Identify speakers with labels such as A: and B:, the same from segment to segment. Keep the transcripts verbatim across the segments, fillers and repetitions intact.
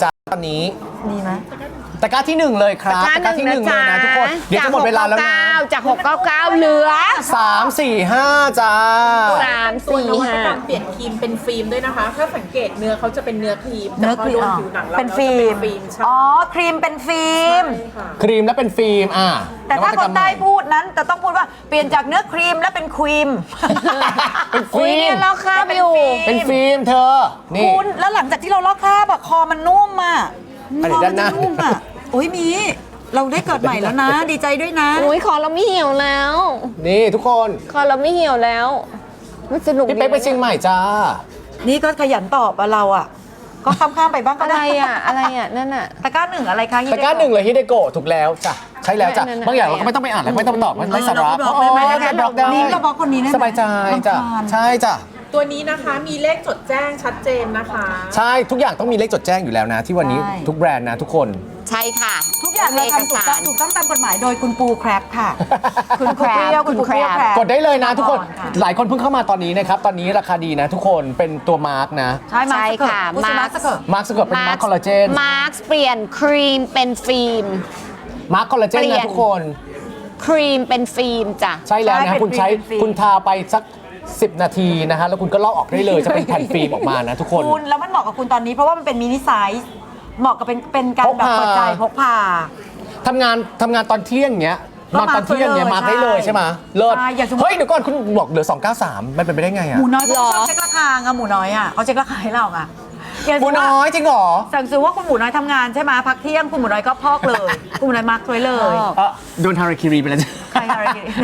A: จ้าตอนนี้
B: ดีไหม
A: ตะกร้าที่หนึ่งเลยครับตะกร้าที่หนึ่งเลยนะทุกคนเดี๋ยวจะหมดเวลาแล้วนะ
C: จากหกเก้าเก้าเหลือ
A: สามสี่ห้าจ้า
C: สาม
D: ตัวน
C: สี่
D: วัต
C: ห้าก
D: รรมเปลี่ยนครีมเป็นฟิล์มด้วยนะคะ ถ้าสังเกตเนื้อเขาจะเป็นเนื้อครีม
B: เนื้อครีม
D: แต่พโดนผิวหนังเรา
B: เป็น
D: แล้ว
B: ฟิ
D: จะ
B: ล์ม
D: ฟิล์มใช่
B: อ๋อครีมเป็นฟิล์ม
D: ใช่ค่ะ
A: ครีมและเป็นฟิล์มอ่ะ
B: แต่ถ้าคนใต้พูดนั้นจะต้องพูดว่าเปลี่ยนจากเนื้อครีมและเป็นครีม
A: เป็น
C: คุ
A: ฟิ
C: ย
A: ล์
C: เนี่
A: ม
C: ยเราข้ามอยู่
A: เป็นฟิล์มเธอนี่
B: คุณแล้วหลังจากที่เราลอกคราบอะคอมันนุ่มอะ
A: อัน
B: ค
A: นี้
B: อ
A: ด้า
B: มัน
A: หน้า
B: จะนุ่มอะโอ้ยมีเราได้เกิดใหม่แล้วนะ ดีใจด้วยนะ
C: อุ้ยคอเราไม่เหี่ยวแล้ว
A: นี่ทุกคน
C: คอเราไม่เหี่ยวแล้วมันสนุก
A: พี่เป๊กไปเชียงใหม่จ้า
B: นี่ก็ขยันตอบอะเราอะก็ข้ามๆไปบ้างก็
C: อะไร
B: ได้
C: อ่ะอะไรอ่ะนั่นอ่ะ
B: ตะกร้าหนึ่งอะไรคะ
A: ตะกร้าหนึ่งเลยฮิเดโกะถูกแล้วจ้ะใช่แล้วจ้ะ
C: นั่นๆ
A: บางอย่างเราก็ไม่ต้องไปอ่านแล้วไม่ต้องไปตอบมันไร้สาระ
B: เราก็บล็อกได้ไหม
A: โอ้ยบล็อกได้
B: นี่เราบล็อกคนนี้ได้ไหม
A: สบายใจจ้ะ
B: รำคาญ
A: ใช่จ้ะ
D: ตัวนี้นะคะมีเลขจดแจ้งชัดเจนนะคะ
A: ใช่ทุกอย่างต้องมีเลขจดแจ้งอยู่แล้วนะ ที่วันนี้
B: ใช่
A: ทุกแบรนด์นะทุกคน
C: ใช่ค่ะ
B: ทุกอย่างเราทำถูกต้องถูกต้องตามกฎหมายโดยคุณปูแครบค่ะ คุณเปรี้ยวคุณปูเปรี้ยวแครบ
A: กดได้เลยนะทุกคน
B: ค่ะ
A: หลายคนเพิ่งเข้ามาตอนนี้นะครับ ตอนนี้ราคาดีนะทุกคนเป็นตัวมาร์กนะ
B: ใช่มา
C: ใช่
B: สเกิร์
C: ค่ะ
B: ตผู้ชนะ
C: มาร์ค
B: สเกิร์ต
A: มาร์กสเกิร์ตเป็นมาร์กคอลลาเจน
C: มาร์คเปลี่ยนครีมเป็นฟิล์ม
A: มาร์กคอลลาเจน
C: เปลี่ย
A: นะ
C: น
A: ทุกคน
C: ครีมเป็นฟิล์มจ้ะ
A: ใช่แล้ว
B: ใช่
A: นะ
B: เป็น
A: คุณใช้
B: ฟิล์มเป็นฟิล์ม
A: คุณทาไปสักสิบนาทีนะฮะแล้วคุณก็ลอกออกได้เลยจะเป็นแผ่นฟิล์มออกมานะทุกคน
B: คุณแล้วมันเหมาะกับคุณตอนนี้เพราะว่ามันเป็นมินิไซส์เหมาะกับเป็นเป็นการแบบ
A: พกพา
B: เปิดใจพกพา
A: ทำงานทำงานตอนเที่ยงเงี้ย
B: ก็
A: นอนตอนเที่ยงเงี้ย
B: มา
A: มา
B: ร์ค
A: ได้เลย
B: ใช่
A: ใช่ไหมเลิศ
B: ใช่อย่างสมมุติ
A: เฮ้ยเดี๋ยวก่อนคุณบอกเหลือสองเก้าสามมันเป็นไปได้ไง
B: ห
A: อะ
B: มูน้อยเขา
C: หรอ
B: ชอบเช็คราคาไงหมูน้อยอ่ะเขาเช็คราคาให้เราอ่ะอย่าง
A: หมูน้อยจริงเหรอ
B: สั่งซื้อว่าคุณหมูน้อยทำงานใช่ไหมพักเที่ยงคุณหมูน้อยก็พอกเลย คุณหมูน้อยมาร์คไว้เลย
A: เออโดนฮาราคิรีไปแล้วจ้ะ
B: ใครฮาราคิริ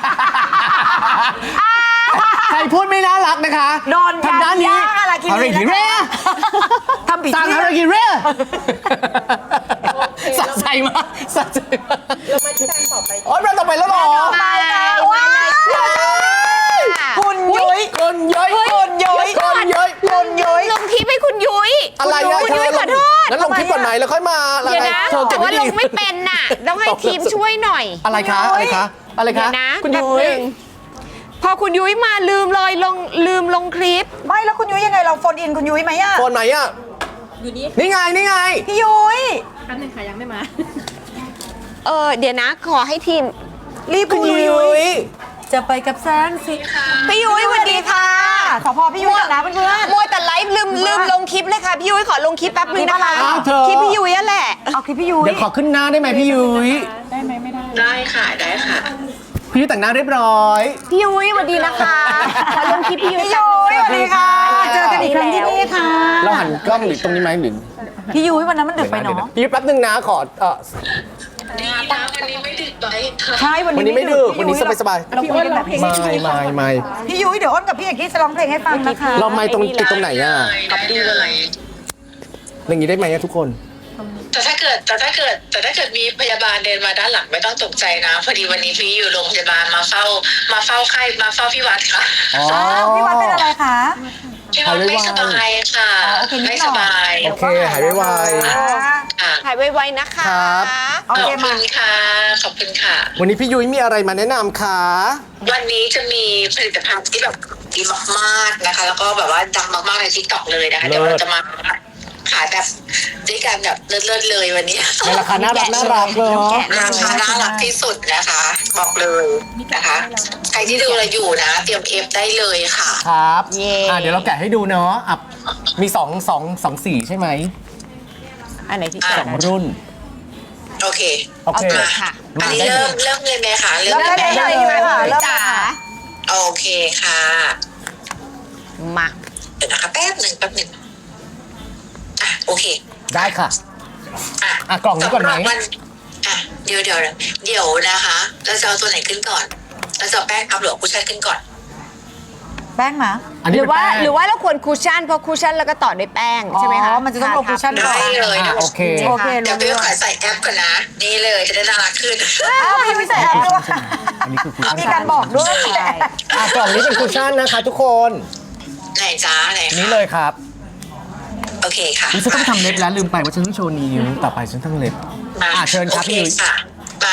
A: ใครพูดไม่น่ารักนะคะ
B: โดน
A: ทางด้านนี้
B: ย่างฮาราคิริ
A: ฮาราคิรี
B: ทำผิด
A: สั่ง
B: ที่
A: ฮาราคิรี
D: โอเค
A: สะใจมากสะใจมาก
D: เรามาที่แบรนด์ต่อไป
A: โอ๊ยเราต่อไปแล้วเหรอ
B: ตายแล้วว้ายคุณยุ้ย
A: คนย้อย
B: คนย้อย
A: คนย้อย
B: คนย้อย
C: ลงคลิปให้คุณยุ้ย
A: อะไรอะ
C: คุณยุ้ยขอโทษ
A: งั้นลงคลิปก่อนไหมแล้วค่อยมาอะไร
C: เดี๋ยวนะ
A: เธอ
C: แต่
A: เก็บ
C: ว่า
A: ไม่
C: ล
A: ดี
C: งไม่เป็นน่ะต้องให้ทีมช่วยหน่อย
A: อะไรคะอะไรคะอะไร
C: เดี๋
A: คะ
C: ยวนะ
A: คุณ
C: แป๊บ
A: ยุ้
C: ห
A: ย
C: นึ่งพอคุณยุ้ยมาลืมเลยลงลืมลงคลิป
B: ไม่แล้วคุณยุ้ยยังไงเราโฟนอินคุณยุ้ยไหมอะ
A: โฟนไหนอ่ะ
D: อยู่นี่
A: นี่ไงนี่ไง
B: พี่ยุ้ย
D: แป๊บนึงค่ะยังไม่มา
C: เออเดี๋ยวนะขอให้ทีม
B: รีบ
A: คุณ
B: พูด
A: ยุ้ย
B: จะไปกับแสงสี
C: พี่ยุ้ยสวัสดีค่ะ
B: ขอพอพี่ยุ้ยก่อนนะเพื่อน
C: มัวแต่ไลฟ์ลืมลืมลงคลิปเลยค่ะพี่ยุ้ยขอลงคลิปแป๊บนึงนะคะ
A: อ้าวเธอ
C: คลิปพี่ยุ้ยนั่นแหละ
B: ๆเอาคลิปพี่ยุ้ย
A: เดี๋ยวขอขึ้นหน้าได้ไหมพี่ยุ้ย
D: ได้ไหมไม่ได้
E: ได้ค่ะ ได้ค่ะ
A: พี่ยุ้ยแต่งหน้าเรียบร้อย
C: พี่ยุ้ยสวัสดีนะคะขอลงคลิปพี่ยุ้ย
B: พี่ยุ้ยสวัสดีค่ะ เจอกันอีกครั้งที่นี่ค่ะ
A: เราหันกล้องหรือตรงนี้ไหมหรือ
B: พี่ยุ้ยวันนั้นมันดึกไปเนาะ
A: พี่ยุ้ยแป๊บนึงนะขอเออ
E: ดีนะวันนี้ไม่ดึกไปค่ะ
B: ใช่วัน
A: วัน
B: นี้
A: นี้ไม่ดึกวันนี้สบายสบาย
B: เราคุยกันแบบนี้
A: ไม่ไม่ไม่
B: พี่ยุ้ยเดี๋ยวอ้นกับพี่เอกกี้จะร้องเพลงให้ฟังนะคะ
A: เราไม่ตรงติดตรงไหนอ่ะ
E: ได้เลย
A: อย่างนี้ได้ไหมอะทุกคน
E: แต่ถ้าเกิดแต่ถ้าเกิดแต่ถ้าเกิดมีพยาบาลเดินมาด้านหลังไม่ต้องตกใจนะ พอดีวันนี้พี่อยู่โรงพยาบาลมาเฝ้า มาเฝ้าไข้มาเฝ้าพี่วัดค่ะ
A: อ๋อ
B: อ้าวพี่วัดเป็นอะไรคะ
E: พี่วัดไม่สบายค่ะ
B: โอเคนิดหน่อย
E: ไม่สบาย
A: โอเคหายไว
E: ค่ะ
C: หายไวๆนะคะ
A: ครับ
B: โอ
E: ข
B: เค
E: อบ
B: มา
E: คุณค่ะ ขอบคุณค่ะ
A: ๆวันนี้พี่ยุ้ยมีอะไรมาแนะนำคะ
E: วันนี้จะมีผลิตภัณฑ์ที่แบบดีมากๆนะคะ แล้วก็แบบว่าดังมากๆในทิกตอกเลยนะคะเดี๋ยวเราจะมาขายแบบด้วยกันแบบเลิศๆเลยวันนี้
A: ในราคาน่ารักน่ารักเนาะ
E: ราคาน่ารักที่สุดนะคะ บอกเลยนะคะ ใครที่ดูเราอยู่นะ เตรียมเอฟได้เลยค่ะ
A: ครับ
C: เย่
A: อ่ะเดี๋ยวเราแกะให้ดูเนาะอ่ะมีสองสองสองสีใช่ไหม
C: อันไหนที่
E: อ่ะ
A: สองรุ่น
E: โอเค
A: โอเค
E: มา
C: ค่ะ
E: อันนี้
A: ได้
E: เริ่มเริ่มเลยไหมคะเริ่ม
B: เริ่ม
E: เลย
B: ได้
E: ไหม
B: เลยค่ะเริ่ม
C: จ๋า
B: ค่ะ
E: โอเคค่ะ
C: มา
E: เดี๋ยวนะคะแป๊บหนึ่งแป๊บหนึ่งอ่ะโอเค
A: ได้ค่ะ
E: อ่ะ
A: อ่ะกล่องนี้ก่อนไหม
E: สำรับวัอ่ะเดี๋ยวเดี๋ยวเดี๋ยวนะคะเราจะเอาตัวไหนขึ้นก่อนเราจะเอาแป้งอัพหรือเอาคุชชั่นขึ้นก่อน
B: แป้งมา
A: อัน
C: ห
A: นี้
C: รือว่า
A: เป็นแป้ง
C: หรือว่าเราควรคูชั่นเพราะคูชั่นแล้วก็ต่อด้วยแป้งใช่ไหมคะ
B: อ๋อมันจะต้องลงคุชชั่นก่อน
E: ได้เลย
A: อ่ะ
E: นะ
A: โอเค
B: โอเค
E: เดี๋ยว
B: รู้
E: พี่
B: เรื่อง
E: ขอใส่แอปก่อนนะ นี่เลยจะได้น่ารักขึ้น
B: อ้าวพี่ยุ้ยใส่แอปด้วย
A: อันนี้คือคุชชั่น
B: มีการบอกด้วย
C: ใช่
A: อ่ะกล่องนี้เป็นคุชชั่นนะคะทุกคน
E: ไหนจ้าไหน
A: นี่เลยครับ
E: โอเคค่ะ
A: นี่ฉันต้องทำเล็บแล้วลืมไปว่าฉันต้องโชว์นิ้วต่อไปฉันต้องเล็บ
E: มา
A: อ่ะเชิญครับ
E: โอ
A: พี่ยุ้ย
E: ค่ะมา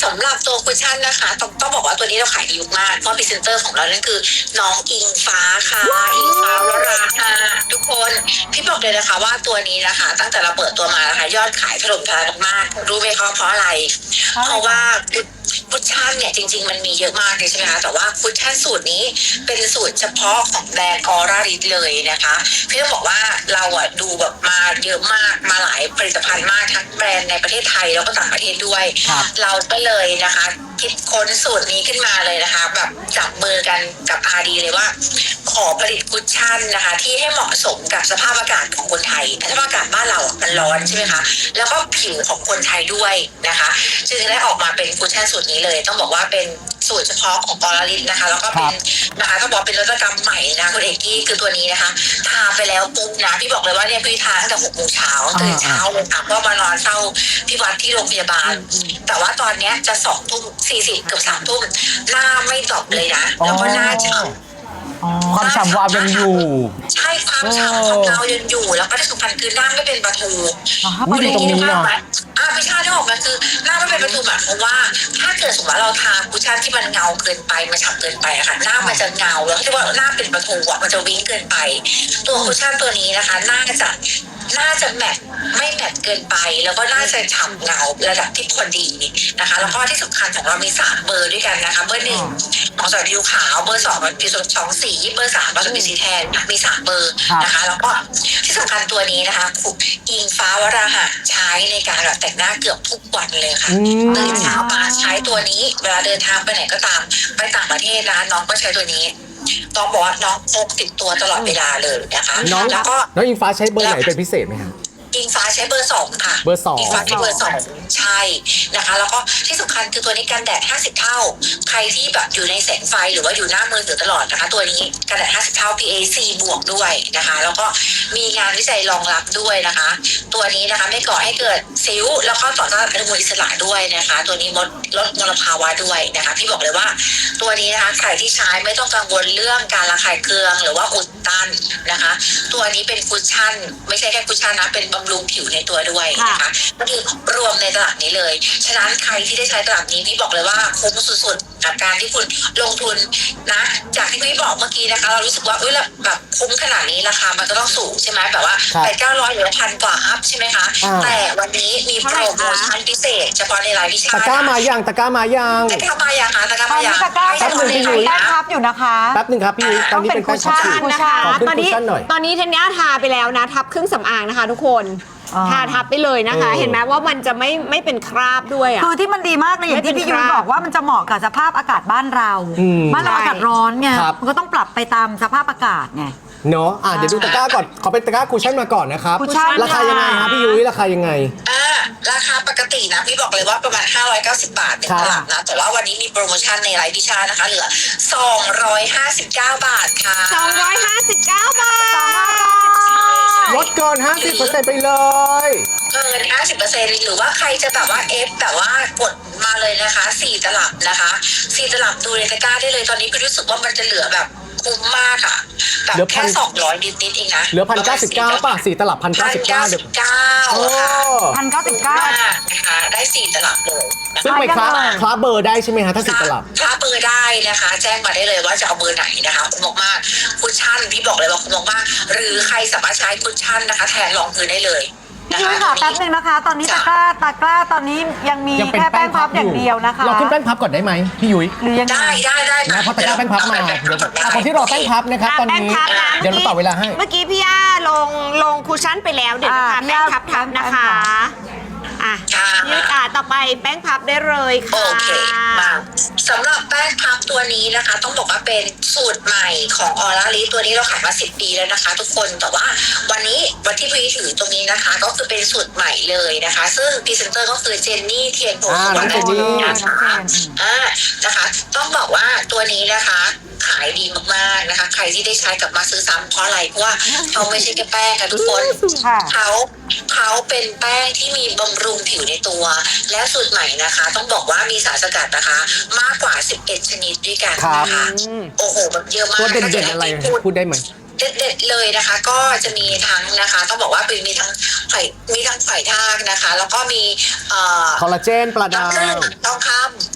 E: สำหรับตัวคุชชั่นนะคะต้องต้องบอกว่าตัวนี้เราขายดีมากเพราะพรีเซนเตอร์ของเรานั่นคือน้องอิงฟ้าค่ะอิงฟ้าวราค่ะทุกคนพี่บอกเลยนะคะว่าตัวนี้นะคะ ตั้งแต่เราเปิดตัวมานะคะยอดขายถล่มทลายมากๆรู้ไหมคะเพราะอะไร เพราะว่าคุชชั่นเนี่ยจริงๆมันมีเยอะมากเลยใช่ไหมคะแต่ว่าคุชชั่นสูตรนี้เป็นสูตรเฉพาะของแบรนด์ออร่าริสเลยนะคะพี่ต้องบอกว่าเราอะดูแบบมาเยอะมากมาหลายผลิตภัณฑ์มากทั้งแบรนด์ในประเทศไทยแล้วก็ต่างประเทศด้วย เราก็เลยนะคะคิดค้นสูตรนี้ขึ้นมาเลยนะคะแบบจับมือกันกับ อาร์ ดี เลยว่าขอผลิตคุชชั่นนะคะที่ให้เหมาะสมกับสภาพอากาศของคนไทยสภาพอากาศบ้านเราอะมันร้อนใช่ไหมคะแล้วก็ผิวของคนไทยด้วยนะคะจึงได้ออกมาเป็นคุชชั่นสูตรนี้เลยต้องบอกว่าเป็นสูตรเฉพาะของออร่าริสนะคะแล้วก็เป็นนะคะต้องบอกเป็นนวัตกรรมใหม่นะคุณเอกกี้คือตัวนี้นะคะทาไปแล้วปุ๊บนะพี่บอกเลยว่าเนี่ยพี่ทาตั้งแต่หกโมงเช้าตื่นเช้าเลยค่ะก็มานอนเฝ้าพี่วัดที่โรงพยาบาลแต่ว่าตอนเนี้ยจะสองทุ่มสี่สิบเกือบสามทุ่มหน้าไม่ตอบเลยนะแล้วก็หน้าฉ่ำ
A: ความฉ่ำวาวยังอยู่
E: ใช่ความฉ่ำของเรายังอยู่แล้วก็ที่สำคัญคือหน้าไม่เป็นประตู
A: อุ๊ยดีตรงนี้เนาะ
E: อ่าไม่ใช่ที่ออกมาคือหน้าไม่เป็นประตูหมายความว่าถ้าเกิดสมมติว่าเราทาคุชชั่นที่มันเงาเกินไปมันฉ่ำเกินไปอะค่ะหน้ามันจะเงาแล้วที่ว่าหน้าเป็นประตูอะมันจะวิ่งเกินไป ตัวคุชชั่นตัวนี้นะคะน่าจะน่าจะแมทไม่แมทเกินไปแล้วก็น่าจะฉ่ำเงาระดับที่พอดีนะคะแล้วก็ที่สำคัญของเรามีสามเบอร์ด้วยกันนะคะเบอร์หนึ่งเหมาะสำหรับผิวขาวเบอร์สองเป็นผิวสองสีเบอร์สามเป็นผิวสีแทนมีสามเบอร์นะคะแล้วก็ที่สำคัญตัวนี้นะคะอิงฟ้าวราหะใช้ในการแบบแต่งหน้าเกือบทุกวันเลยค่ะตื่นเช้ามาใช้ตัวนี้เวลาเดินทางไปไหนก็ตามไปต่างประเทศนะคะน้องก็ใช้ตัวนี้ต้องบอกว่าน้องพกติดตัวตลอดเวลาเลยนะคะแล้วก็
A: น้องอิงฟ้าใช้เบอร์ไหนเป็นพิเศษไหมครับ
E: อิงฟ้าใช้เบอร์สองค่ะ
A: เบอร์สอง
E: อิงฟ้าใช้เบอร์สองใช่นะคะแล้วก็ที่สำคัญคือตัวนี้กันแดดห้าสิบเท่าใครที่แบบอยู่ในแสงไฟหรือว่าอยู่หน้ามือถือตลอดนะคะตัวนี้กันแดดห้าสิบเท่า พี เอ สี่ บวกด้วยนะคะแล้วก็มีงานวิจัยรองรับด้วยนะคะตัวนี้นะคะไม่ก่อให้เกิดสิวแล้วก็ต่อต้านอนุมูลอิสระด้วยนะคะตัวนี้ลดลดมลภาวะด้วยนะคะพี่บอกเลยว่าตัวนี้นะคะใครที่ใช้ไม่ต้องกังวลเรื่องการระคายเคืองหรือว่าอุดตันนะคะตัวนี้เป็นคุชชั่นไม่ใช่แค่คุชชั่นนะเป็นบำรุงผิวในตัวด้วยนะคะก็คือรวมในตลาดนี้เลยฉะนั้นใครที่ได้ใช้ตลาดนี้พี่บอกเลยว่าคุ้มสุดๆกับการที่คุณลงทุนนะจากที่พี่บอกเมื่อกี้นะคะเรารู้สึกว่าเอ้ยแบบคุ้มขนาดนี้ราคามันก็ต้องสูงใช่ไหมแบบว่าแปดเก้าร้อยหรือพันกว่าอัพใช่ไหมคะแต่วันนี้มีโปรโมชั่นพิเศษเฉพาะในไลฟ์พิชา
A: ตะกร้ามายังตะกร้ามายัง
E: ตะกร้ามายังคะตะกร้า
B: ตอ
E: มาน ยั
B: นี้
E: ง
B: ตะกร้า
E: ให้
B: จะ
E: ทุกคน
B: มี
E: ได้ดู
B: แป้
E: นะ
B: งพับอยู่นะคะ
A: แป๊บหนึ่งครับพี่ยุ้ยตอนนี้เป็น
B: ต้องเป็น
A: แป้งพับ
B: คุชชั่นนะคะ
A: ขอขึ้น
C: ตอนนี้
A: คุชชั่นหน่อย
C: ตอนนี้เทนเนี้ยทาไปแล้วนะทับเครื่องสำอางนะคะ ทุกคน
B: อ๋อ
C: ทาทับไปเลยนะคะ
A: เออ
C: เห็นไหมว่ามันจะไม่ไม่เป็นคราบด้วยอ่ะ
B: คือที่มันดีมากเลยอย่างที่พี่ยุ้ยบอกว่ามันจะเหมาะกับสภาพอากาศบ้านเรา
A: อืม
B: บ้านเราอากาศร้อนไง
A: ครับ
B: มันก็ต้องปรับไปตามสภาพอากาศไง
A: เนาะอ่ะเดี๋ยวดูตะกร้าก่อนขอเป็นตะกร้าคุชชั่นมาก่อนนะครับ
B: คุชชั่น
A: ราคายังไงครับพี่ยุ้ยราคายังไง
E: อ่าราคาปกตินะพี่บอกเลยว่าประมาณห้าร้อยเก้าสิบบาทใน
A: ครับ
E: ตลาดนะแต่ว่าวันนี้มีโปรโมชั่นในไลฟ์พิชานะคะเหลือสองร้อยห้าสิบเก้าบาทค่ะ
C: สองร้อยห้าสิบเก้าบาท
A: ลดเกิน ห้าสิบเปอร์เซ็นต์ ไปเลย
E: เกิน ห้าสิบเปอร์เซ็นต์ หรือว่าใครจะแบบว่าเอฟแบบว่ากดมาเลยนะคะสี่ตลับนะคะสี่ตลับดูในตะกร้าได้เลยตอนนี้พี่รู้สึกว่ามันจะเหลือแบบคุ้มมากค่ะแบบ
A: เหลือพั
E: แค่
A: น
E: สองร้อยนิดๆเองนะ
A: เหลือพันเก้าสิบเก้าป่ะสี่ตลับพันเก้าสิบเก้าเดี๋ยว
E: เก้า
A: โอ้
E: ค่ะ
B: พันเก้าสิบเก้า
E: นะคะได้สี่ตลับเลยนะคะ
A: ซึ่งไปคลาคลาเบอร์ได้ใช่ไหมฮะถ้าสี่ตลับ
E: ถ้าเบอร์ได้นะคะ แจ้งมาได้เลยว่าจะเอาเบอร์ไหนนะคะคุณบอกมากคุชชั่นพี่บอกเลยว่าคุณบอกมากหรือใครสามารถใช้คุชชั่นนะคะแทนรองพื้นได้เลย
B: พี่ยุ้ยค่ะแป๊บนึงนะคะ ตอนนี้ตะกร้าตะกร้าตอนนี้ยังมี
A: ยังเป็น
B: แค่
A: แป้
B: แป้
A: ง
B: ง
A: พั
B: พั
A: บบ อ
B: อย่าง ยู่เดียวนะคะ
A: เราขึ้นแป้งพับก่อนได้ไหมพี่ยุ้ย
B: หรือยังไง
E: ได้ได้ได้
A: นะเพราะตะกร้าแป้งพับมาเดี๋ยวอ่ะคนที่รอแป้งพับนะครับตอนนี้
C: แป้งพับนะ
A: เดี๋ยวเราต่อเวลาให้
C: เมื่อกี้พี่ย่าลงลงคุชชั่นไปแล้วเดี๋ยวนะคะ
B: อ่า
C: แป้งพับทับนะคะอ่ะ
E: ค่ะ
C: ยืดอ่ะต่อไปแป้งพับได้เลย
E: โอ
C: ค่ะ
E: เคมาสำหรับแป้งพับตัวนี้นะคะ ต้องบอกว่าเป็นสูตรใหม่ของออร่าลิตัวนี้เราขายมาสิบปีแล้วนะคะ ทุกคนแต่ว่าวันนี้วันที่พี่ถือตรงนี้นะคะ ก็คือเป็นสูตรใหม่เลยนะคะ ซึ่งพรีเซนเตอร์ก็คือเจนนี่เทียนโพ
A: อ่า
E: สุวรรณ
A: น้องเจนนี่
E: นะคะอ่านะคะ ต้องบอกว่าตัวนี้นะคะ ขายดีมากๆนะคะ ใครที่ได้ใช้กลับมาซื้อซ้ำเพราะอะไรเพราะว่าเขาไม่ใช่แค่แป้งค่ะทุกคน
B: ค่ะ
E: เขาเขาเป็นแป้งที่มีบำรุงผิวในตัว แล้วสูตรใหม่นะคะ ต้องบอกว่ามีสารสกัดนะคะ มากกว่าสิบเอ็ดชนิดด้วยกันนะคะโอ้โหแบบเยอะมาก
A: ตัวเด่นๆอะไร
E: ถ้าจให้
A: พูดได้ไหม
E: เด็ดๆเลยนะคะ ก็จะมีทั้งนะคะ ต้องบอกว่าเป็นมีทั้งไข่มีทั้งไข่ทากนะคะ แล้วก็มีเอ่อ
A: คอลลาเจนปลาดา
E: น้ำผึ้ง
A: ว
E: ทองค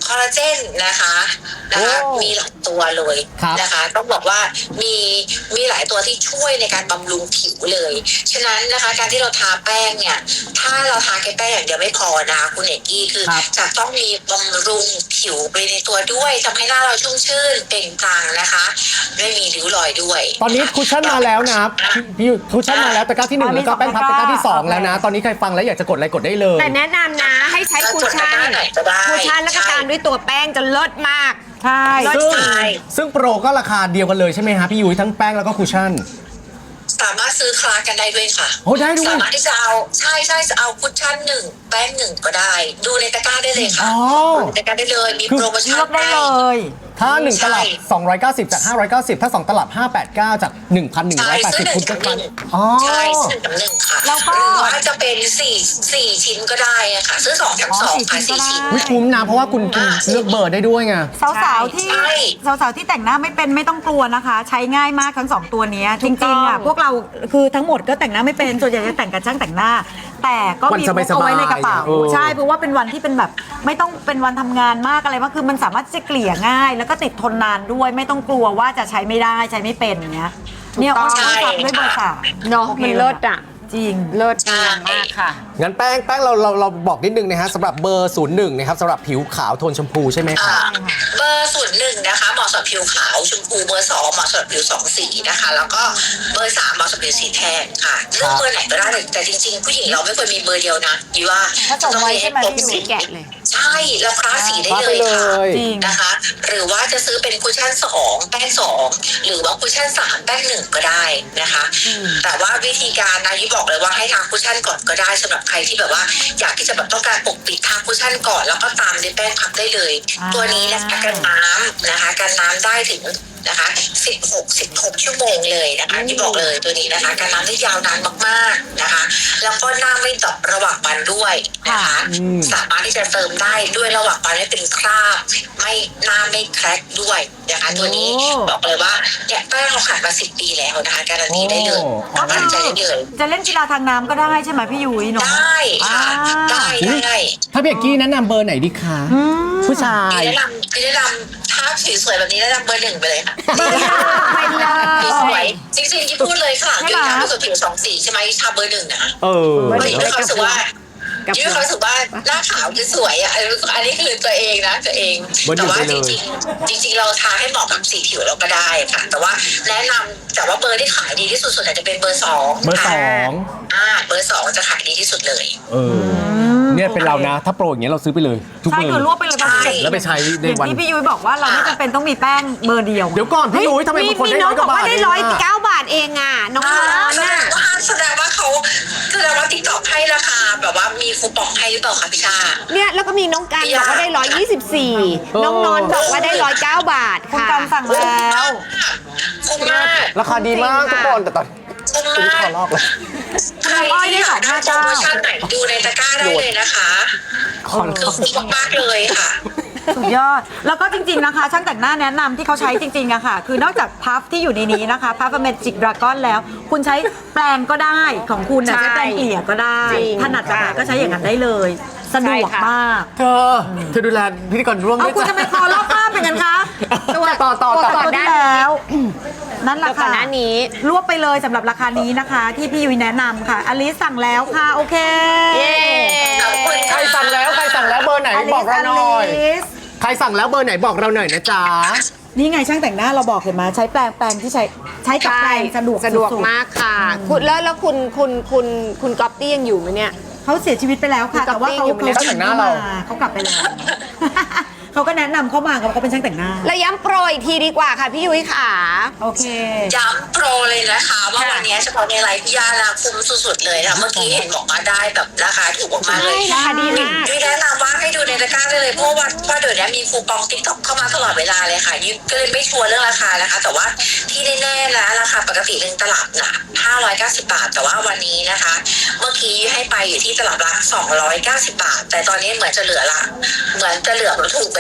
E: คอลลาเจนนะคะนะคะมีหลายตัวเลยนะคะต้องบอกว่ามีมีหลายตัวที่ช่วยในการบำรุงผิวเลยฉะนั้นนะคะการที่เราทาแป้งเนี่ยถ้าเราทาแค่แป้งอย่างเดียวไม่พอนะคะคุณเอกกี้คือจะต้องมีบำรุงผิวไปในตัวด้วยทำให้หน้าเราชุ่มชื่นเปล่งปลั่งนะคะไม่มีริ้วรอยด้วย
A: ตอนนี้คุชชั่นมาแล้วนะพี่คุชชั่นมาแล้วตะกร้าที่หนึ่งแล้วก็แป้งพับตะกร้าที่สองแล้วนะตอนนี้ใครฟังแล้วอยากจะกดอะไรกดได้เลย
C: แต่แนะนำนะให้ใช้คุชชั่นคุชชั่นแล้วก็ตามด้วยตัวแป้งจะเลิศมาก
B: ใช่
A: ซึ่งซึ่งโปรก็ราคาเดียวกันเลยใช่ไหมฮะพี่ยุ้ยทั้งแป้งแล้วก็คุชชั่น
E: สามารถซื้อคลากันได้ด้วยค่ะ
A: โอ้ได้ด้วย
E: สามารถที่จะเอาใช่ใช่จะเอาคุชชั่นหนึ่งแป้งหนึ่งก็ได้ดูในตะกร้าได้เลยค่ะดูในตะกร้าได้เลยมีโปรโมชั่น
B: ได้เลย
A: ถ้าหนึ่งตลับสองร้อยเก้าสิบจากห้าร้อยเก้าสิบถ้าสองตลับห้าร้อยแปดสิบเก้าจาก หนึ่งพันหนึ่งร้อยแปดสิบ คุณก็กัน
E: อ๋อใช่ซื้อหนึ่งค่ะแล้วก็หรือว่าจะเป็นสี่ สี่ชิ้นก็ได้อะค่ะซื้อสองแถมสองค่ะสี่ชิ้น
A: วิคุ้มนะเพราะว่าคุณคุณเลือกเบอร์ได้ด้วยไง
B: สาวๆที่สาวๆที่แต่งหน้าไม่เป็นไม่ต้องกลัวนะคะ ใช้ง่ายมากทั้งสองตัวนี้จริงๆอ่ะพวกเราคือทั้งหมดก็แต่งหน้าไม่เป็นส่วนใหญ่จะแต่งกับช่างแต่งหน้าแต่ก็มีเอาไว้ในกระเป๋าใช่เพราะว่าเป็นวันที่เป็นแบบไม่ต้องเป็นวันทำงานมากอะไรมากคือมันสามารถจะเกลี่ยง่ายแล้วก็ติดทนนานด้วยไม่ต้องกลัวว่าจะใช้ไม่ได้ใช้ไม่เป็นอย่างเงี้ยเนี่ยอ้อนทำด้วยเบอร์สาม
C: เนาะมันเลิศอ่ะ
B: จริง
C: เลิศมากค่ะ
A: งั้นแป้งแป้งเราเราเราบอกนิดนึงนะฮะสำหรับเบอร์ศูนย์หนึ่งนะครับสำหรับผิวขาวโทนชมพูใช่ไหมคะ
E: เบอร์ศูนย์หนึ่งนะคะเหมาะสำหรับผิวขาวชมพูเบอร์สองเหมาะสำหรับผิวสองสีนะคะแล้วก็เบอร์สามเหมาะสำหรับผิวสีแทนค่ะเลือกเบอร์ไหนก็ได้แต่จริงๆผู้หญิงเราไม่ควรมีเบอร์เดียวนะยี่ว่า
B: ต้องมีให้ครบ
C: สีแกะเลย
E: ใช่แล้วคลาสสีได้เลยค่ะนะคะหรือว่าจะซื้อเป็นคุชชั่นสองแป้งสองหรือว่าคุชชั่นสามแป้งหนึ่งก็ได้นะคะแต่ว่าวิธีการนะยี่บอกเลยว่าให้ทาคุชชั่นก่อนก็ได้สำหรับใครที่แบบว่าอยากที่จะแบบต้องการปกปิดทาคุชชั่นก่อนแล้วก็ตามด้วยแป้งพับได้เลยตัวนี้นะคะกันน้ำนะคะกันน้ำได้ถึงนะคะสิบหก สิบหกชั่วโมงเลยนะคะที่บอกเลยตัวนี้นะคะกันน้ำได้ยาวนานมากๆนะคะแล้วก็หน้าไม่ดอกระหว่างวันด้วยนะคะสามารถที่จะเติมได้ด้วยระหว่างวันไม่เป็นคราบไม่หน้าไม่แคร็กด้วยนะคะตัวนี้บอกเลยว่าเนี่ยแป้งเราขายมาสิบปีแล้วนะคะการันตีได้เลยมั่นใจได้เลย
B: จะเล่นกีฬาทางน้ำก็ได้ใช่ไหมพี่ยุ้ยเนาะ
E: ได้ค่ะได้ได้
A: ถ้าพี่เอกกี้แนะนำเบอร์ไหนดีคะผู้ชาย
E: แนะนำแนะนำถ้าสวยๆแบบนี้แนะนำเบอร์หนึ่งไปเลยค่ะ
B: เบอร์หนึ่งไปเลย
E: สวยจริงๆที่พูดเลยค่ะยืนยันว่าสวยผิวสองสีใช่ไหมชาเบอร์หนึ่งนะเออไม่มีความรู้สึกว่ายืนความรู้สึกว่าหน้าขาวคือสวยอ่ะอันนี้คือตัวเองนะตัวเองแต่ว่าจริงๆจริงๆเราทาให้เหมาะกับสีผิวเราก็ได้ค่ะแต่ว่าแนะนำแต่ว่าเบอร์ที่ขายดีที่สุดส่วนใหญ่จะเป็นเบอร์สอง
A: เบอร์สอง
E: อ่าเบอร์สองจะขายดีที่สุดเลย
A: เออเนี่ยเป็นเรานะถ้าโปรอย่างเงี้ยเราซื้อไปเลยทุกเบอร์
B: ใช่คือรวบไปเลย
A: แล้วไปใช้ในวัน
B: ที่พี่ยุ้ยบอกว่าเราไม่จำเป็นต้องมีแป้งเบอร์เดียว
A: เดี๋ยวก่อนพี่ยุ้ยทำไมบางคนได้ร้อยกว่าบาท
C: ได้ร้อยเก้าบาทเองอ่ะน้องๆน่ะ
E: แสดงว่าเขาแสดงว่าติ๊กต็อกให้ราคาแบบว่ามีคูปองให้หรือเปล่าคะพี่ชา
C: เนี่ยแล้วก็มีน้องกันบอกว่าได้ร้อยยี่สิบสี่น้องนอนบอกว่าได้ร้อยเก้าบาท
B: คุณกันสั่งแล้ว
E: คุ้มมาก
A: ราคาดีมากทุกคนแต่ตอน
E: คุ้มมาก
A: ขอรอบเลย
E: ใครที่อยากได้โปรโมชั่นไหนดูในตะกร้าได้เลยนะคะคือคุ้มมากเลยค่ะ
B: สุดยอดแล้วก็จริงๆนะคะช่างแต่งหน้าแนะนำที่เขาใช้จริงๆอะค่ะคือนอกจากพัฟที่อยู่ในนี้นะคะพัฟเมจิกดราก้อนแล้วคุณใช้แปรงก็ได้ของคุณนะใช้แปรงเกลี่ยก็ได้ถนัดแบบไหนก็ใช้อย่างนั้นได้เลยสะดวกมาก
A: เธอเธอดูแลพิธีกรร่วมด้วย
B: เอาคุณจะไปคอรอบภาพเป็นกันคะ
C: ตัวต่อต่อต่อ
B: ได้แล้วนั่นแหละค่ะ
C: หน้านี้
B: รวบไปเลยสำหรับราคานี้นะคะที่พี่ยุ้ยแนะนำค่ะอลิสสั่งแล้วค่ะโอเค
A: ใครสั่งแล้วใครสั่งแล้วเบอร์ไหนบอกเราหน่อยใครสั่งแล้วเบอร์ไหนบอกเราหน่อยนะจ๊ะ
B: นี่ไงช่างแต่งหน้าเราบอกเห็นไหมใช้แปรงแปรงที่ใช้ใช้กับแปรงสะดวก
C: สะดวกมากค่ะคุณแล้วแล้วคุณคุณคุณคุณก๊อปตี้ยังอยู่ไหมเนี่ย
B: เขาเสียชีวิตไปแล้วค่ะแต่ว่าเขาเขา
A: แต่งหน้าเรา
B: เขากลับไปแล้วเขาก็แนะนำเข้ามาเขาเป็นช่างแต่งหน้า
C: แล้วย้ำโปรอีกทีดีกว่าค่ะพี่ยุ้ยค่ะ
B: โอเค
E: ย้ำโปรเลยนะคะว่าวันนี้เฉพาะในไลฟ์พี่ยานะคุ้มสุดๆเลยนะเมื่อกี้เห็นบอกมาได้แบบราคาถูกมากเลย
C: ราคาดีมาก
E: ยุ้ยแนะนำว่าให้ดูในตะกร้าได้เลยเพราะว่าว่าเดี๋ยวนี้มีคูปองติ๊กต็อกเข้ามาตลอดเวลาเลยค่ะยุ้ยก็เลยไม่ชัวร์เรื่องราคานะคะแต่ว่าที่แน่ๆนะราคาปกติหนึ่งตลับนะห้าร้อยเก้าสิบบาทแต่ว่าวันนี้นะคะเมื่อกี้ให้ไปอยู่ที่ตลับละสองร้อยเก้าสิบบาทแต่ตอนนี้เหมือนจะเหลือละเหมือนจะเหลือถูกไป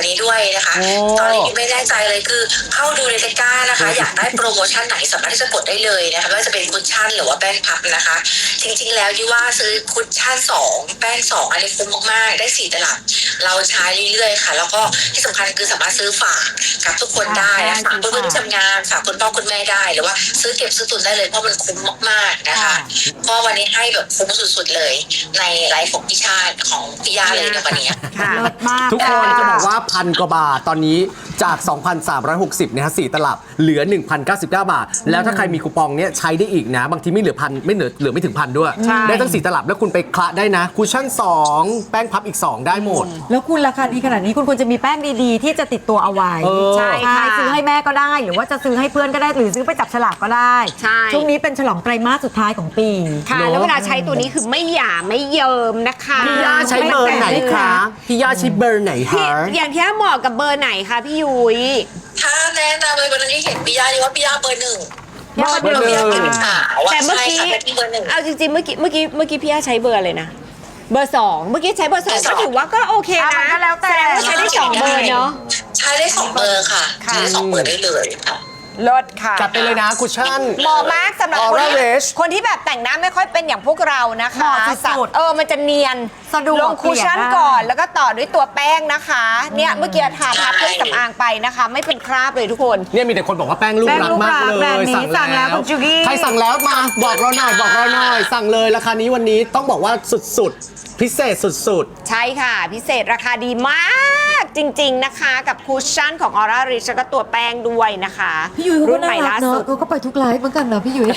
E: นี้ด้วยนะคะตอนนี้ไม่แน่ใจเลยคือเข้าดูในตะกร้านะคะ อยากได้โปรโมชั่นไหนสามารถที่จะกดได้เลยนะคะไม่ว่าจะเป็นคุชชั่นหรือว่าแป้งพับนะคะ จริงๆแล้วยี่ว่าซื้อคุชชั่นสองแป้งสองอันนี้คุ้มมากๆได้สี่ตลับเราใช้เรื่อยๆค่ะ แล้วก็ที่สำคัญคือสามารถซื้อฝากกับทุกคนได้นะฝากเพื่อนๆที่ทำงานฝากคุณพ่อคุณแม่ได้หรือว่าซื้อเก็บซื้อตุนได้เลยเพราะมันคุ้มมากๆนะคะเพราะวันนี้ให้แบบคุ้มสุดๆเลยในไลฟ์ของพี่ชาติของพี่ยาเลยในวันนี้
C: ค่ะ
B: เลิศมาก
A: ทุกคนจะบอกว่าพันกว่าบาทตอนนี้จาก สองพันสามร้อยหกสิบ นะฮะสี่ตลับเหลือ หนึ่งพันเก้าสิบเก้า บาท แล้วถ้าใครมีคูปองเนี้ยใช้ได้อีกนะ บางทีไม่เหลือพันไม่เหลือเหลือไม่ถึงพันด้วย
C: ใช่
A: ได้ทั้งสี่ตลับแล้วคุณไปคละได้นะคุชชั่นสองแป้งพับอีก สอง ได้หมด
B: แล้วคุณราคาดีขนาดนี้คุณควรจะมีแป้งดีๆ ที่จะติดตัวเอาไว้
A: เออ
C: ใช่ค่ะ
B: ซื้อให้แม่ก็ได้ หรือว่าจะซื้อให้เพื่อนก็ได้หรือซื้อไปจับฉลากก็ได้
C: ใช่
B: ช่วงนี้เป็นฉลองไตรมาสสุดท้ายของปี
C: ค่ะ แล้วเวลาใช้ตัวนี้คือไม่หยาไม่เยิมนะคะ
A: พี่ย่าใช้เบอร์ไหนคะพี่ย่าใช้เบอร์ไหน
C: พี่
A: คะ
C: อย่างที่เหมาะกับเบอร์ไหนคะพี่ยุ้ย
E: ถ้าแนะนำเลยวันนั้นที่เห็นพี่ยาดีว่าพี่ยาเบอร์หนึ่ง
C: เบอร์หนึ่ง
E: พี่ยาเป็นสาวอะ
C: แต่เมื่อกี้
E: ใช่ค่ะเป็นเบอร์หนึ่ง
C: เอาจริงๆเมื่อกี้เมื่อกี้เมื่อกี้พี่ย่าใช้เบอร์อะไรนะ เบอร์สองเมื่อกี้ใช้เบอร์สอง
E: เบอร์ส
C: ก็
E: อง
C: ถือว่าก็โอเค
B: อ่ะ
C: นะ
B: มันก็แล้วแต่
C: สดงว่าใช้ได้สองเบอร์เนาะ
E: ใช้ได้สองเบอร์ค่ะ
C: ค่ะ
E: ใช้ได้สองเบอร์ได้เลยค่ะ
C: ลดค่ะ
A: จัดไปเลยนะคุชชั่น
C: เหมาะมากสำหรับคน
A: Aura
C: ที่
A: Rage
C: คนที่แบบแต่งหน้าไม่ค่อยเป็นอย่างพวกเรานะคะ
B: เหมาะสุดๆ
C: เออมันจะเนียน
B: สะดวก
C: ลงคุชชั่น
B: เกลี่ยได้
C: ก่อนแล้วก็ต่อด้วยตัวแป้งนะคะ เนี่ยเมื่อกี้ทาทาเครื่องสำอางไปนะคะ ไม่เป็นคราบเลยทุกคน
A: เนี่ยมีแต่คนบอกว่าแป้งลูก
B: แป้ง
A: รัก
B: ลูก
A: มาก
B: รัก
A: เล
B: แบรนด์
A: ย
B: นี้สั่งแล้วคุณจูกี้
A: ใครสั่งแล้วมาบอกเราหน่อยบอกเราหน่อย สั่งเลยราคานี้วันนี้ต้องบอกว่าสุดๆ พิเศษสุด
C: ใช่ค่ะ พิเศษราคาดีมากจริง ๆนะคะ กับคุชชั่นของ Aura Rich แล้วก็ตัวแป้งด้วยนะคะ
B: พี่ยุ้ยเขา
C: รุ่
B: ก็
C: นให
B: น่า
C: ม่
B: รั
C: ล่าก
B: เน
C: สุ
B: อะ
C: ด
B: เขาก็ไปทุกไลฟ์เหมือนกันเนอะพี่ยุ้ย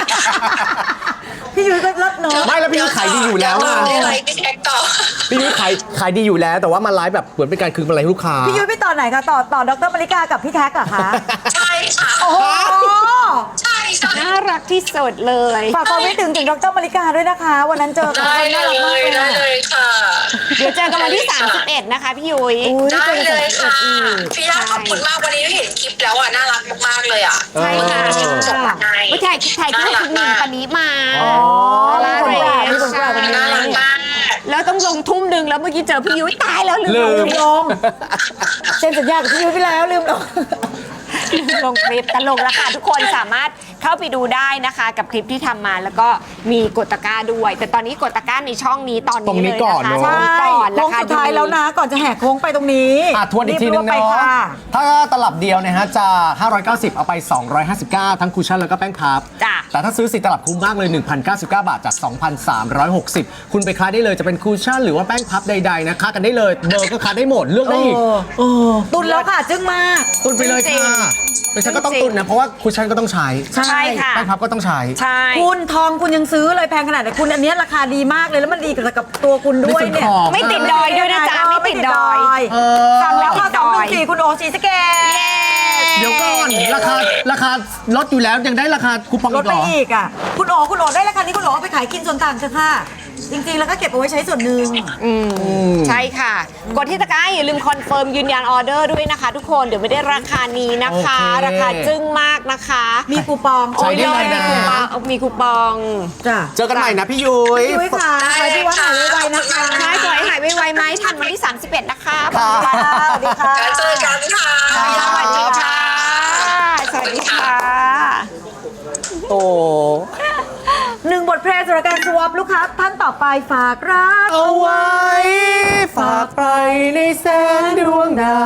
B: พี่ยุ้ยก็รักเนอะ
A: ๆ ไม่แล้วพี่ยุ้ยขายดีอยู่แล้ว
E: เดี๋
A: อะ
E: วได้ไลฟ์พี่แท็กต่อ
A: พี่ยุ้ยขายขายดีอยู่แล้ว แต่ว่ามาไลฟ์แบบเหมือนเป็นการคืนกำไรให้ลูกค้า
B: พี่ยุ้ยไปต่อไหนคะต่อต่อดรมาริกากับพี่แท็กเหรอคะ
E: ใช่ค่ะ
B: โอ้โห
E: ใช่ใช่
C: น่ารักที่สุดเลย
B: ฝากความคิดถึงถึงดรมาริกาด้วยนะคะ วันนั้นเจอกัน
E: ได้เล
B: น่ารักมาก
E: ย
B: เลย
E: ได้
B: อะ
E: เลยค่ะ
C: เดี๋ยวเจอกันวันที่ สามสิบเอ็ด นะคะพี่ยุ้ย
B: อุ๊ย
E: ได้เลยค่ะ
B: อีก
E: พี่ยาขอบคุณมากวันนี้เห็นคลิปแล้วอ่ะน่ารักมากๆเลยอ่ะ
C: ใช่ค่ะ
E: เออส่งมาให้
C: ไม่ใช่ถ่ายที่คุณหนิงปณิมา
B: อ๋อ
C: ลา
B: มี
C: เร
B: คนกล่าวมีคนกล่าววันนี้
E: น่ารักมาก
C: แล้วต้องลงทุ่มหนึ่งแล้วเมื่อกี้เจอพี่ยุ้ยตายแล้วลื
A: ลื
C: ม
A: ม
B: ลืมลงเซ็นสัญญากับพี่ยุ้ยไปแล้วลืมลง
C: ลงคลิปตลกแล้วค่ะทุกคนสามารถเข้าไปดูได้นะคะ กับคลิปที่ทำมาแล้วก็มีกดตะกร้าด้วย แต่ตอนนี้กดตะกร้าในช่องนี้ตอน
A: ตรง
C: นี้
A: นี้
C: เลย
A: ก่อน
C: นะคะ
A: เนอะ
C: ช่องนี้
B: ใช่
C: ก่อน
B: โค้
C: ราง คา
B: สุด
C: ดี
B: ท้ายแล้วนะ ก่อนจะแหกโค้งไปตรงนี้
A: อ่ะทวนอีกทีนึง
B: รีบ
A: เนาะ
B: ไปค่ะ
A: ถ้าตลับเดียวเนะฮะจะห้าร้อยเก้าสิบเอาไป สองร้อยห้าสิบเก้า ทั้งคุชชั่นแล้วก็แป้งพับ
C: จ้ะ
A: แต่ถ้าซื้อสี่ตลับคุ้มมากเลย หนึ่งพันเก้าสิบเก้า บาทจาก สองพันสามร้อยหกสิบ คุณไปค้าได้เลยจะเป็นคุชชั่นหรือว่าแป้งพับใดๆนะค้ากันได้เลยเบอร์ก็ค้าได้หมดเลือกได้อีก
B: เออตุนแล้วค่ะ จึ้งมาก
A: ตุนไปเลยค่ะไม่ใช่ก็ต้องตุนนะเพราะว่าคุชชั่นก็ต้องใช้
B: ใช่
C: ใช่ค่ะ
A: แป้งพับก็ต้องใช้
C: ใช่
B: คุณทองคุณยังซื้อเลยแพงขนาดไหนคุณอันเนี้ยราคาดีมากเลยแล้วมันดีกับกับตัวคุณด้วยเนี่ย
C: ไม่ติดดอยด้วยนะจ๊ะไม่ติดดอย
A: เออ
B: สั่งแล้วค่ะสองหนึ่งสี่คุณโอชีสเกต
A: เดี๋ยวก่อนราคาราคาลดอยู่แล้วยังได้ราคาคูปอง
B: ล
A: อี
B: ด
A: กเห
B: ไป
A: รอ
B: อีกอ่ะคุณโอคุณโอได้ราคานี้คุณโอเอาไปขายกินส่วนต่างเถอะค่ะ จริงๆแล้วก็เก็บเอาไว้ใช้ส่วนหนึ่ง
C: อืมใช่ค่ะ กดที่ตะกร้าอย่าลืมคอนเฟิร์มยืนยันออเดอร์ด้วยนะคะ ทุกคนเดี๋ยวไม่ได้ราคานี้นะคะ
A: โอเค
C: ราคาจึ้งมากนะคะ
B: มีคูปอง
A: ใช้ได้เลยนะ
C: มีคูปองมีคูปอง
B: จ้ะ
A: เจอกันใหม่นะพี่ยุ้ย
B: พี่ยุ้ยค่ะใครที่ว่าหายไวๆนะคะ
C: ใช่ขอให้หายไวๆไหมทันวันที่ สามสิบเอ็ด นะคะ
A: ค่ะ
B: สวัสดีค่ะ
E: แล้วเจอกันค่ะ
C: สวัสดีค่ะ สวัสดีค่ะ
A: โอ้
B: หนึ่งบทเพลงสำหรับการสวอปลูกค้าท่านต่อไปฝากรัก
A: เอาไว้ ฝากไปในแสงดวงดาว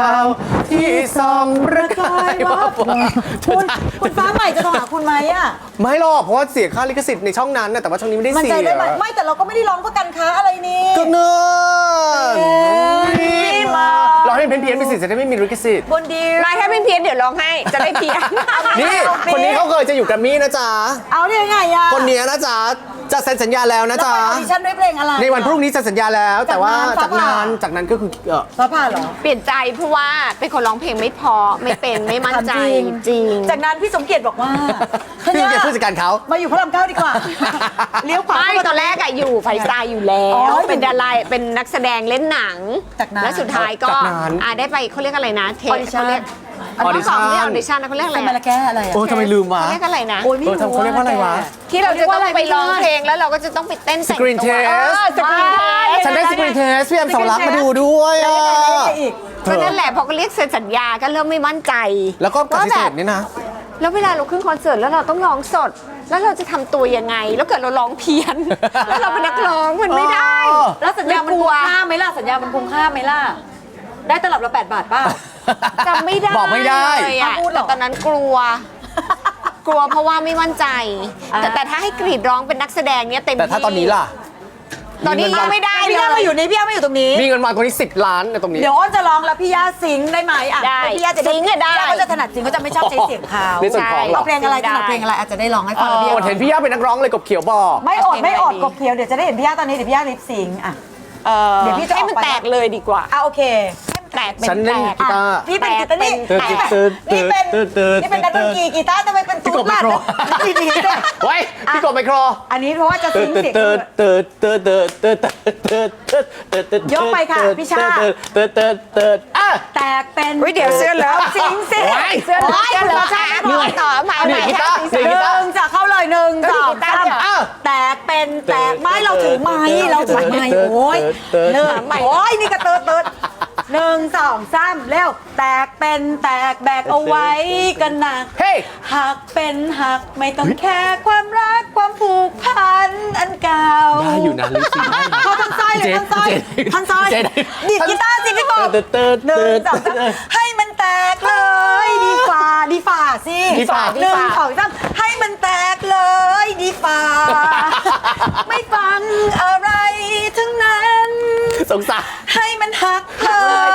A: ที่ส่องประกายวับวาว
B: คุณคุณฟ้าใหม่จะโทรหาคุณไหมอ่ะ
A: ไม่หรอกเพราะว่าเสียค่าลิขสิทธิ์ในช่องนั้นนะแต่ว่าช่องนี้ไม่ได้
B: มัน
A: เสี
B: ใจ
A: ย
B: ได้ไหมไม่แต่เราก็ไม่ได้ร้องเพื่อการค้าอะไรนี่
A: ก็เนิน
B: เอ้ยมา
A: เราให้เพี้ยนเพี้ยนๆไปสิจะได้ไม่มีลิขสิทธิ์
B: บนดี
C: มาแค่เป็นเพี้ยนเดี๋ยวร้องให้จะได้เพี้ยน
A: นี่คนนี้เขาเคยจะอยู่แกรมมี่นะจ๊ะ
B: เอาได้ยังไงอ่ะ
A: คนเนี้ยนะจ๊ะจะเซ็นสัญญาแล้วนะ
B: แล้ว
A: จ๊ะ
B: ไปออดิชั่นด้วยเพลงอะไร
A: ในวันพรุ่งนี้จะสัญญาแล้ว แต่ว่าจากนั้นจากนั้นก็คือเออ
B: ฟ้าผ่าเหรอ
C: เปลี่ยนใจเพราะว่าเป็นคนร้องเพลงไม่พอไม่เป็นไม่มั่นใจ
B: ถาม
C: จริง
B: จากนั้นพี่สมเกียรติบอกว่า
A: พี่สมเกียรติผู้จัดการเขา
B: มาอยู่พระรามเก้าดีกว่า เลี้ยวขวา
C: ไม่
B: เข้ามา
C: ตอนแรกอะอยู่ไฟสไตล์อยู่แล้ว
B: อ๋อ
C: เป็นดาราเป็นนักแสดงเล่นหนัง
B: จากนั้น
C: แล้วสุดท้ายก็
A: จากนั้น
C: อ่ะได้ไปเขาเรียกอะไรนะเท
B: Audition
C: เขาเรียก
A: Audition
C: เขาเรียกออดิชั่นนะเขาเรียกอะไร
B: ทำไมละ
C: อะ
B: แก้อะไรอ่ะ
A: โอ้ทำไมลืมวะ
C: เขาเรียกอะไรนะ
B: โอ้ยไม่
A: เออ
B: รู้
A: ทำเขาเรียกว่าอะไรวะ
C: ที่เราจะต้องไปร้องเพลงแล้วเราก็จะต้องไปเต้นแต่ง
A: Screen
C: ตัว
A: test
C: เออสกรีนเทส
A: ฉันได้
B: แล้ว
A: ส
B: ไง
A: กรีนเทสพี่แอมสาวรักษณ์มาดูด้วย
B: แล้ว
A: อ่ะ
B: ยังไงแล้วยังไงอีก
A: เธ
C: ก็
A: อ
C: นั่นแหละพอก็เรียกเซ็นสัญญาก็เริ่มไม่มั่นใจ
A: แล้วก็ปฏิเสธ
C: ว่าแบบ
A: นี่นะ
C: แล้วเวลาเราขึ้นคอนเสิร์ตแล้วเราต้องร้องสด แล้วเราจะทำตัวยังไง แล้วเกิดเราร้องเพี้ยน แล้วเราเป็นนักร้องมันไม่ได้
A: อ๋อ
B: แล้วสัญญามัน
C: ไม่กลั
B: คุ้
C: ว
B: มค่าไหมล่ะสัญญามันคุ้มค่าไหมล่ะได้ตลับละแปดบาทเปล่า
C: จำไม่ได้
A: บอกไม่ได้
C: เลยอะ
B: อ้าวพูดเหร
C: แต่
B: อ
C: ตอนนั้นกลัว กลัวเพราะว่าไม่มั่นใจ
B: อ่า
C: แต่แต่ถ้าให้กรีดร้องเป็นนักแสดงเนี้ยเต็มที่
A: แต่ถ้าตอนนี้ล่ะ
C: ตอนนี้ยังไม่ได้
B: พี่
C: เล
B: ย่าย มาอยู่นี่พี่ย่ามาอยู่ตรงนี้
A: มีเงินมาตรงนี้สิบล้านในตรงนี้
B: เดี๋ยวอ้นจะร้องแล้วพี่ย่าซิงค์ได้ไหมอ่ะ
C: ได้
B: พี่ย่าจะ
C: ซิงค์อะได้
B: พี่ย่าก็จะถนัดซิงค์เขาจะไม่ชอบใช้เสียงเขา
A: ในส่วนของเหรอ
B: เอาเพลงอะไรถนัดเพลงอะไรอาจจะได้ร้องให้ฟังแล้วพี่
A: โอด
B: ย่า
A: เห็นพี่ย่าเป็นนักร้องเลยกบเขียวบอก
B: ไม่อดไม่อดกบเขียวเดี๋ยวจะได้เห็นพี่ย่าตอนนี้เดี๋ยวพี่ย่าลิปซิงค์อ่ะ
C: เออ
B: เดี๋ยวพี่จะ
C: ให้มัน
B: ออกไป
C: แตกเลยดีกว่า
B: อ่ะโอเค
C: แตกเป็น
A: ฉันเล่น
C: แตก
A: กีตาร์
B: อ่ะพี่เป็นกีตาร์นี่
C: แตก
B: นี่เป็น
A: ตืด
B: นี่เป็น
A: ตืดตืด
B: นี่เป็นนักดนตรีกีตาร์ทำไมเป็น
A: พี่
B: ตุ๊
A: ก
B: ด
A: บไม
B: ล่ะ
A: โคร
B: ดีดีๆด้วย
A: ไว้พี่กบไมโคร
B: อันนี้เพราะว่าจะ
A: ตื
B: ซิ
A: ด
B: งค์
A: ตืด
B: เสียง
A: ตื
B: ด้ว
A: ด
B: ย
A: ตืดตืดตืดตืดตืดตืดตืดตืดตืด
B: ยกไปค่ะพี่ชา
A: ตืดตืดตืดตืดอ่ะ
B: แตกเป็น
C: อุ๊ยเดี๋ยวเสื้อเลอะ
B: ซิงค์สิ
A: โอ๊ย
C: เสื้อเหลือง
B: โอ๊ย
C: เสื้อเหลือง
B: คุณชาติ
C: เหนื่อยต่อมา
A: เหนื่อยกีตาร์
C: ใหม่
A: เหนื่อย
B: หนึ่งจะเข้าเลยหนึ่งสองสาม
A: อ้าว
B: แตกเป็นแตกไม้เราถือไม้เราถือไม้โอ้ย
A: เติร์ด
B: หนึ่ง
C: ใหม่
B: โอ้ยนี่ก็เติร์ดเติร์ดหนึ่งสองสามเร็วแตกเป็นแตกแบกเอาไว้กันหนัก
A: เฮ้ย
B: หักเป็นหักไม่ต้องแคร์ความรักความผูกพันอันเก่า
A: ได้อยู่นะลิซซี่ได้นะ
B: เขาทันซอยเลยทันซอย
A: เจ๊
B: ทันซอย
A: เจ๊
B: ดีดกีตาร์สิพี่กบ
A: เติร์ดเติร์ด
B: หนึ่
A: เติ
B: ง
A: ร์ด
B: สองสามให้มันแตกเลยดีฝ่าดีฝ่าสิ
A: ดีฝ่า
B: หนึ่งสองสามให้มันแตกเลยดีฝ่า ไม่ฟังอะไรทั้งนั้น
A: สงสาร
B: ให้มันหักเลย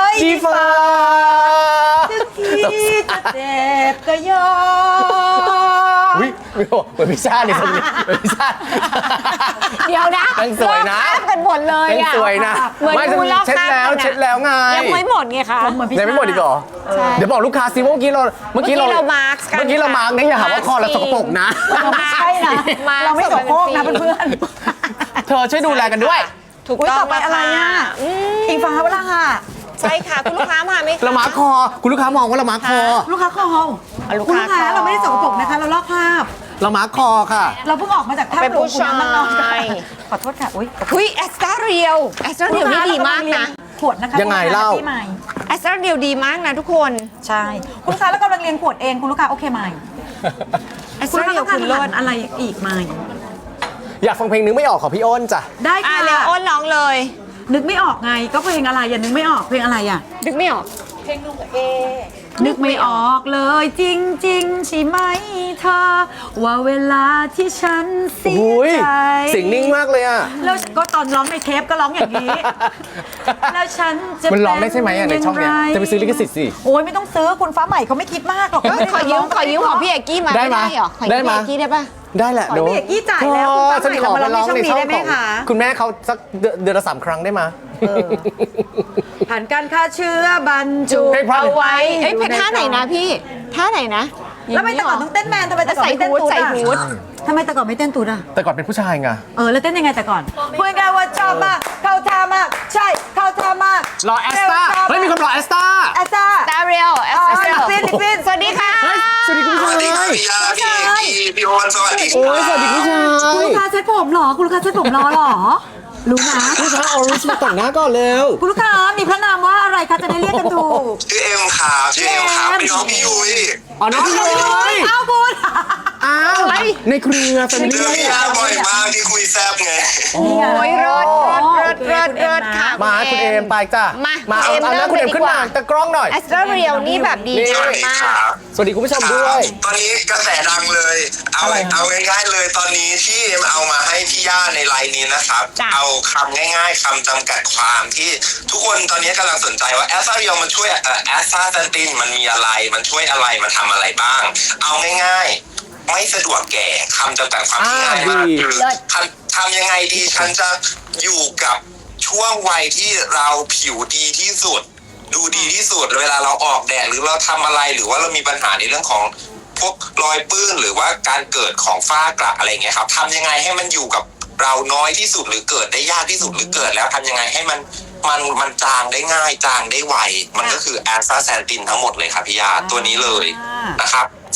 A: จีฟ้า
B: ถึงที่จะเจ็บก็ยอม
A: อุ้ยเหมือนพิซซ่าเลยคนนี้เหมือนพิซซ่า
C: เดี๋ยวนะ
A: ยังสวยนะ
C: ลอกคราบกันหมดเลย
A: ยัง
C: อะ
A: สวยนะ
C: เหมือน
A: ไม่
C: ดูลอก
A: เช็ด
C: คราบ
A: แล้ว
C: กันอะ
A: เช็ดแล้วไง
C: ยังไม่หมดไงคะ
B: เหมือนพี่
A: ยังไม่หมดอีกเหรอ เดี๋ยวบอกลูกค้าซิว่าเมื่อกี้เราเมื่อกี้เรา
C: เมื่อกี้เรามาร์คกัน
A: เมื่อกี้เรามาร์กเนี่ยอย่าหาว่าคอเราสกปรกนะ
B: เราไม่ใช่นะ
C: มา
B: เราไม่โสโครกนะเพื่อน
A: เธอช่วยดูแลกันด้วย
C: ถูก
B: ๆอุ้ย
C: ต้อ
B: ต่อง ไปอะไรอ่ะ
C: อืม
B: อิงฟ้าเวลาค่ะ
C: ใช่ค่ะ คุณลูกค้ามาไหมคะ
A: เรามาร์คคอ คุณลูกค้ามองว่าเรามาร์คคอ
B: ลูกค้าคอ
C: อ่ะลูก
B: คุณ
C: ค้า
B: ลูกค้า
C: คอ
B: เราไม่ได้สกปรกนะคะ เราลอกคราบ
A: เรามาร์คคอค่ะ
B: เราเพิ่งออกมาจากท่า
C: เป็น
B: หลวง
C: ผู้
B: ขุนน้ำนางนอน
C: ชาย
B: ขอโทษค่ะอุ้ย
C: อุ้ยแอสตาเรียลแอสตาเรียลนี่ดีมากนะ
B: ขวดนะคะ
A: ยังไงเล่า
B: พี่ใหม่
C: แอสตาเรียลดีมากนะทุกคน
B: ใช่ คุณลูกค้าแล้วกำลังเรียนขวดเองคุณลูกค้าโอเคไหม
C: แอส
B: คุณ
C: ตา
B: ลูกค้า
C: เรียล
B: ต้องการ
C: คุณ
B: อา
C: เลิศ
B: หารอะไรอีกไหม
A: อยากฟังเพลงนึกไม่ออกของพี่อ้นจ้ะ
B: ได้
C: อ่ะ
B: ค่ะ
C: เร็วอ้นร้องเลย
B: นึกไม่ออกไงก็เพลงอะไรอย่านึกไม่ออกเพลงอะไรอ่ะ
C: นึกไม่ออก
B: นึกไม่ออกเลยจริงๆใช่ไหมเธอ ว่าเวลาที่ฉันเสี
A: โอ้
B: ย
A: ย
B: ใจ
A: เสียงนิ่งมากเลยอ่ะ
B: แล้วก็ตอนร้องในเทปก็ร้องอย่างนี้ แล้วฉันจะ
A: มันร้องได้ใช่ไหมอ่ะในช่องเนี้ย
B: ป็
A: จะไปซื้อลิขสิทธิ์สิ
B: โอ้ยไม่ต้องซื้อคุณฟ้าใหม่เขาไม่คิดมากหรอก
C: ขอยืมขอยืมของพี่เอกกี้มา
A: ได้
C: ไม่
A: ไหม
C: ได้เหรอขอยื
A: ได้
C: ม
A: ไหม
C: พี่เอกกี้ได้ปะ
A: ได้แหละ
B: ขอ
A: เดี๋ยว
B: พี่เอกกี้จ่ายแล้วคุณฟ้า
A: ฉัน
B: ใหม่
A: ขอ
B: เรา
A: ไป
B: มาร้
A: ร้
B: อ
A: อง ง
B: ใน
A: ใน
B: ช่
A: ช่
B: อ
A: อง ง
B: นี้ได้ไหม
A: ของ
B: คะ
A: คุณแม่เขาสักเดือนเดือนละสามครั้งได้ไหม
B: ผ่านการฆ่าเชื้อบรรจุ
A: เพลงเพราะ
B: เอาไว้
C: เอ้ยเป็นท่าไหนนะพี่ท่าไหนนะ
B: แล้วทำไมแต่ก่อนต้องเต้นแมนทำไมแต่ก่อนไม่เต้นตูด
C: ใส่
B: อ่ะ
C: ฮูด
B: ทำไมแต่ก่อนไม่เต้นตูดอ่ะ
A: แต่ก่อนเป็นผู้ชายไง
B: เออแล้วเต้นยังไงแต่ก่อนพูดง่ายๆว่าชอบมากเข้าท่ามากใช่เข้าท่ามาก
A: รอแอสตาเฮ้ยมีคนรอแอสตา
B: แอสตา
C: ตาเรียลแอส
B: อ๋อ
C: ตาเรียล
B: ฟินฟิน
C: สวัสดีค่ะ
A: เฮ้ยสวัสดีคุณผู้ชาย
E: สวัสดีครับพี่ยาพี่เอกกี้พี่โอนสวัสดีค
A: โอ้
E: รับ
A: ยสวัสดีคุณผู้ชา
B: คุณ
A: ย
B: ลูกค้าเซ็ตผมเหรอคุณลูกค้าเซ็ตผมรอเหรอรู้นะ
A: คุณลูกค้าเอารูสมาแต่งหน้าก่อนเร็ว
B: คุณลูกค้ามีพระนามว่าอะไรคะจะได้เรียกกันถูก
E: ชื่อเอ็มครับชื่อเอ็มครับเป็นน้องพี่ยุ้ย
A: อ๋อน้องพี่เลย
B: อ้าวคุณ
A: อ้าวในเครือแฟมิ
E: เจอ
A: ลี่
E: พี่ยาบ่อยมากที่คุยแซบไง
C: โอ้ยรถรถรถรถรถค่ะ
A: มาคุณเอมไปจ้ะ
C: มา
A: มา
C: คุณเอม
A: เอาหน้าคุณเอม
C: เริ่มเลยดี
A: ขึ้น
C: ก
A: มา
C: ว่า
A: ตะกล้องหน่อย
C: แอสตาเรียลนี่แบบดี
A: นี่
E: ส
C: งา
E: วั
C: ม
E: สดี
C: มา
E: ค
C: ก
E: รับ
A: สวัสดีคุณผู้ชมด้วย
E: ตอนนี้กระแสดังเลย เอา
A: อะไรครับ
E: เอาง่ายๆเลย ตอนนี้ที่เอ็มเอามาให้พี่ย่าในไลน์นี้นะครับ
C: จ้ะ
E: เอาคำง่ายๆคำจำกัดความที่ทุกคนตอนนี้กำลังสนใจว่าแอสซาเรียลมันช่วยเอ่อแอสซาเซนตินมันมีอะไรมันช่วยอะไรมันทำอะไรบ้าง เอาง่ายๆ ไม่สะดวกแก่คำจำกัดความที่ง่ายมาก
A: อ่าดี
E: คือทำทำยังไงดีฉันจะอยู่กับช่วงวัยที่เราผิวดีที่สุด ดูดีที่สุดเวลาเราออกแดดหรือเราทำอะไรหรือว่าเรามีปัญหาในเรื่องของพวกรอยปื้นหรือว่าการเกิดของฝ้ากระอะไรเงี้ยครับทำยังไงให้มันอยู่กับเราน้อยที่สุดหรือเกิดได้ยากที่สุดหรือเกิดแล้วทำยังไงให้มันมันมันจางได้ง่ายจางได้ไวมันก็คือแอสตาแซนตินทั้งหมดเลยครับพี่ยาตัวนี้เลยนะครับ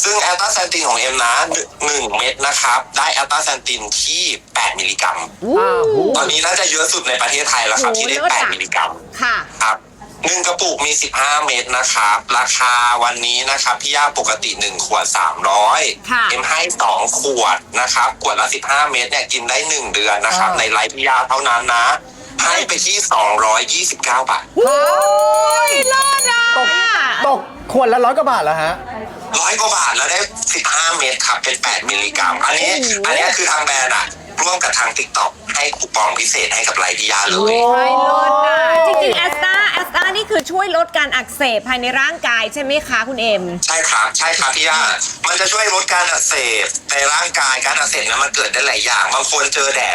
F: ซึ่งแอลตาแซนตินของเอ็มนะหนึ่งเม็ดนะครับได้แอลตาแซนตินที่แปดมิลลิกรัมตอนนี้น่าจะเยอะสุดในประเทศไทยแล้วครับ
C: โอ้
F: ที่ได้
C: เลิศอะ
F: แปดมิลลิกรัม
C: ค่ะ
F: ครับหนึ่งกระปุกมีสิบห้าเม็ดนะครับราคาวันนี้นะครับพี่ย่าปกติหนึ่งขวดสามร้อย
C: ค่ะ
F: เอ็มให้สองขวดนะครับขวดละสิบห้าเม็ดเนี่ยกินได้หนึ่งเดือนนะครับในไลฟ์พี่ย่าเท่านั้นนะให้ไปที่สองร้อยยี่สิบเก้าบาท
C: โอ้ยเลิศอ่ะ
A: ตกตกขวดละร้อยกว่าบาทแล้วฮะ
F: ร้อยกว่าบาทแล้วได้สิบห้าเม็ดครับเป็นแปดมิลลิกรัมอันนี้อันนี้คือทางแบรนด์อะร่วมกับทาง TikTok ให้คูปองพิเศษให้กับไลฟ์พี่ย่าเลย
C: ใช่เลิศอ่ะจริงๆแอสตาแอสตานี่คือช่วยลดการอักเสบภายในร่างกายใช่ไหมคะคุณเอ็ม
F: ใช่ครับใช่ครับพี่ย่ามันจะช่วยลดการอักเสบในร่างกายการอักเสบนั้นมันเกิดได้หลายอย่างบางคนเจอแดด